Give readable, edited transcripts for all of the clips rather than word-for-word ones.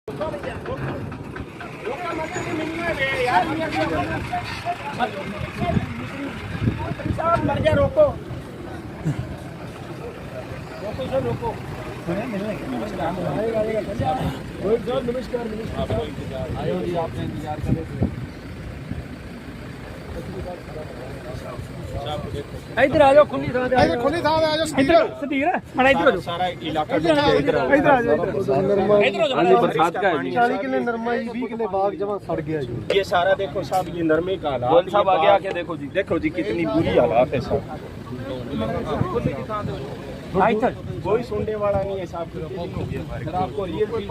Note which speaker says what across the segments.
Speaker 1: मर जा रोको रोको सर रोको नमस्कार आयो जी आपने इंतजार कर इधर आ जाओ खुली थां आ जाओ सदीर बड़ा इधर आ सारा इलाका इधर आ जाओ इधर बरसात का है 40 किलो नरमा 20 किलो बाग जमा सड़ गया जी ये सारा देखो साहब ये नरमे का हालात साहब आगे आके देखो जी कितनी बुरी हालात है साहब कोई सुनने वाला नहीं है साहब सर आपको रियल चीज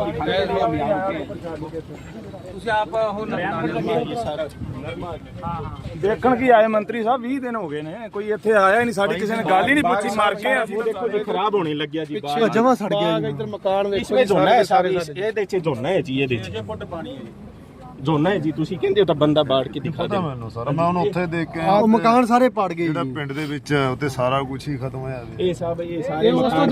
Speaker 2: देखण की आए मंत्री साहब 20 दिन हो गए ने कोई इत्थे आया ही नहीं साडी किसी ने गल ही नहीं पूछी मार के
Speaker 1: देखो जी खराब होने लग गया जी
Speaker 2: पीछे जमा सड़ गया
Speaker 1: इधर मकान देखो इसमें झोना है सारे ਇਹਦੇ ਚ ਝੋਨਾ ਹੈ ਜੀ ਇਹਦੇ ਚ ਫੁੱਟ ਪਾਣੀ ਹੈ ਝੋਨਾ ਹੈ ਜੀ ਤੁਸੀਂ ਕਹਿੰਦੇ ਹੋ ਤਾਂ ਬੰਦਾ ਬਾੜ ਕੇ ਦਿਖਾ ਦੇ
Speaker 3: ਮੈਨੂੰ ਸਰ ਮੈਂ ਹੁਣ ਉੱਥੇ ਦੇਖ ਕੇ
Speaker 2: ਉਹ ਮਕਾਨ ਸਾਰੇ ਪੜ ਗਏ
Speaker 3: ਜਿਹੜਾ ਪਿੰਡ ਦੇ ਵਿੱਚ ਉੱਤੇ ਸਾਰਾ ਕੁਝ ਹੀ ਖਤਮ ਹੋਇਆ
Speaker 1: ਇਹ ਸਭ ਇਹ ਸਾਰੇ ਮਕਾਨ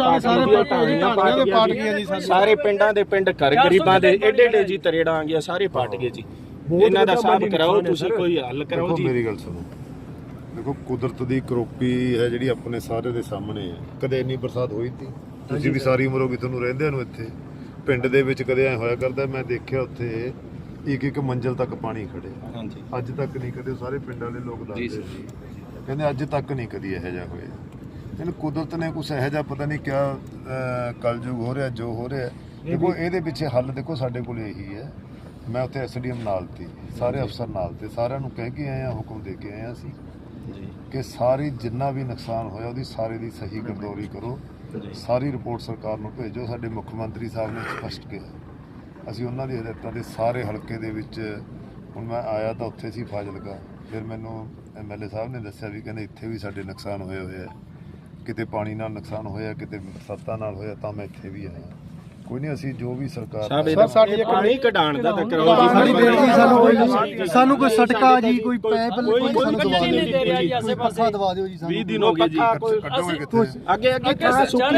Speaker 1: ਪਾਟ ਗਏ ਜੀ ਸਾਰੇ ਪਿੰਡਾਂ ਦੇ ਪਿੰਡ ਘਰ ਗਰੀਬਾਂ ਦੇ ਏਡੇ ਏਡੇ ਜੀ ਤਰੇੜਾਂ ਆ ਗਿਆ ਸਾਰੇ ਪਾਟ ਗਏ ਜੀ ਇਹਨਾਂ ਦਾ ਹਿਸਾਬ ਕਰਾਓ ਤੁਸੀਂ ਕੋਈ ਹੱਲ ਕਰਾਓ ਜੀ
Speaker 3: ਮੇਰੀ ਗੱਲ ਸੁਣੋ ਦੇਖੋ ਕੁਦਰਤ ਦੀ ਕਰੋਪੀ ਹੈ ਜਿਹੜੀ ਆਪਣੇ ਸਾਰੇ ਦੇ ਸਾਹਮਣੇ ਹੈ ਕਦੇ ਇੰਨੀ ਬਰਸਾਤ ਹੋਈ ਸੀ ਤੁਸੀਂ ਵੀ ਸਾਰੀ ਉਮਰ ਹੋ ਗਈ ਤੁਹਾਨੂੰ ਰਹਿੰਦਿਆਂ ਨੂੰ ਇੱਥੇ ਪਿੰਡ ਦੇ ਵਿੱਚ ਕਦੇ ਐ ਹੋਇਆ ਕਰਦਾ ਮੈਂ ਦੇਖਿਆ ਉੱਥੇ ਇੱਕ ਮੰਜ਼ਲ ਤੱਕ ਪਾਣੀ ਖੜੇ
Speaker 1: ਹਾਂਜੀ
Speaker 3: ਅੱਜ ਤੱਕ ਨਹੀਂ ਕਦੇ ਸਾਰੇ ਪਿੰਡ ਵਾਲੇ ਲੋਕ ਦੱਸਦੇ ਸੀ ਕਹਿੰਦੇ ਅੱਜ ਤੱਕ ਨਹੀਂ ਕਦੀ ਇਹੋ ਜਿਹਾ ਹੋਇਆ ਇਹਨੂੰ ਕੁਦਰਤ ਨੇ ਕੁਛ ਇਹੋ ਜਿਹਾ ਪਤਾ ਨਹੀਂ ਕਿਆ ਕਲਯੁਗ ਹੋ ਰਿਹਾ ਜੋ ਹੋ ਰਿਹਾ ਦੇਖੋ ਇਹਦੇ ਪਿੱਛੇ ਹੱਲ ਦੇਖੋ ਸਾਡੇ ਕੋਲ ਇਹੀ ਹੈ ਮੈਂ ਉੱਥੇ ਐਸਡੀਐਮ ਨਾਲ ਤੇ ਸਾਰੇ ਅਫਸਰ ਨਾਲ ਤੇ ਸਾਰਿਆਂ ਨੂੰ ਕਹਿ ਕੇ ਆਏ ਆ ਹੁਕਮ ਦੇ ਕੇ ਆਏ ਆ ਅਸੀਂ ਕਿ ਸਾਰੀ ਜਿੰਨਾ ਵੀ ਨੁਕਸਾਨ ਹੋਇਆ ਉਹਦੀ ਸਾਰੇ ਦੀ ਸਹੀ ਗਰਦੌਰੀ ਕਰੋ ਸਾਰੀ ਰਿਪੋਰਟ ਸਰਕਾਰ ਨੂੰ ਭੇਜੋ ਸਾਡੇ ਮੁੱਖ ਮੰਤਰੀ ਸਾਹਿਬ ਨੇ ਸਪਸ਼ਟ ਕਿਹਾ ਅਸੀਂ ਉਹਨਾਂ ਦੀ ਹਦਾਇਤਾਂ ਦੇ ਸਾਰੇ ਹਲਕੇ ਦੇ ਵਿੱਚ ਹੁਣ ਮੈਂ ਆਇਆ ਤਾਂ ਉੱਥੇ ਸੀ ਫਾਜ਼ਿਲਕਾ ਫਿਰ ਮੈਨੂੰ ਐਮਐਲਏ ਸਾਹਿਬ ਨੇ ਦੱਸਿਆ ਵੀ ਕਹਿੰਦੇ ਇੱਥੇ ਵੀ ਸਾਡੇ ਨੁਕਸਾਨ ਹੋਏ ਹੋਏ ਆ ਕਿਤੇ ਪਾਣੀ ਨਾਲ ਨੁਕਸਾਨ ਹੋਇਆ ਕਿਤੇ ਬਰਸਾਤਾਂ ਨਾਲ ਹੋਇਆ ਤਾਂ ਮੈਂ ਇੱਥੇ ਵੀ ਆਇਆ ਕੋਈ ਨਹੀਂ ਅਸੀਂ ਜੋ ਵੀ ਸਰਕਾਰ
Speaker 1: ਸਾਡੀ ਪਾਣੀ ਕਢਾਣ ਦਾ ਤਾਂ ਕਰਾਓ
Speaker 2: ਸਾਡੀ ਬੇਨਤੀ ਸਾਨੂੰ ਕੋਈ ਸਟਕਾ ਜੀ ਕੋਈ ਪੈਪ ਕੋਈ ਸਾਨੂੰ ਦਵਾ ਦਿਓ ਜੀ ਪੱਖਾ ਦਵਾ ਦਿਓ ਜੀ ਸਾਨੂੰ
Speaker 1: 20 ਦਿਨ ਹੋ ਗਏ ਜੀ ਅੱਗੇ ਥਾਂ ਸੁੱਕੀ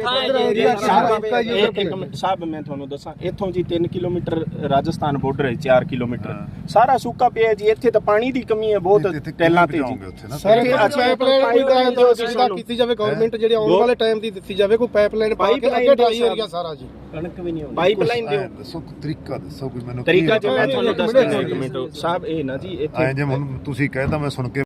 Speaker 1: ਹੈ ਜੀ ਇੱਕ ਮਿੰਟ ਸਾਹਿਬ ਮੈਂ ਤੁਹਾਨੂੰ ਦੱਸਾਂ ਇੱਥੋਂ ਜੀ 3 ਕਿਲੋਮੀਟਰ ਰਾਜਸਥਾਨ ਬਾਰਡਰ ਹੈ 4 ਕਿਲੋਮੀਟਰ ਸਾਰਾ ਸੁੱਕਾ ਪਿਆ ਜੀ ਇੱਥੇ ਤਾਂ ਪਾਣੀ ਦੀ ਕਮੀ ਹੈ ਬਹੁਤ ਟੈਲਾਂ ਤੇ ਜੀ
Speaker 4: ਸਰ ਪਾਈਪਲਾਈਨ ਕੋਈ ਸੁਵਿਧਾ ਕੀਤੀ ਜਾਵੇ ਗਵਰਨਮੈਂਟ ਜਿਹੜੇ ਆਉਣ ਵਾਲੇ ਟਾਈਮ ਦੀ ਦਿੱਤੀ ਜਾਵੇ ਕੋਈ ਪਾਈਪਲਾਈਨ ਪਾ ਕੇ ਅੱਗੇ ਢਾਈ ਏਰੀਆ ਸਾਰਾ ਜੀ
Speaker 1: ਕਣਕ ਵੀ ਨਹੀਂ ਹੁੰਦੀ ਪਾਈਪਲਾਈਨ ਦਿਓ
Speaker 3: ਦੱਸੋ ਤਰੀਕਾ ਦੱਸੋ ਕੋਈ ਮੈਨੂੰ
Speaker 1: ਤਰੀਕਾ ਜੋ ਮੈਂ ਤੁਹਾਨੂੰ ਦੱਸ ਦਿੰਦਾ ਇੱਕ ਮਿੰਟ ਸਾਹਿਬ ਇਹ ਨਾ ਜੀ ਇੱਥੇ
Speaker 3: ਐ ਜੇ ਹੁਣ ਤੁਸੀਂ ਕਹਿਤਾ ਮੈਂ ਸੁਣ ਕੇ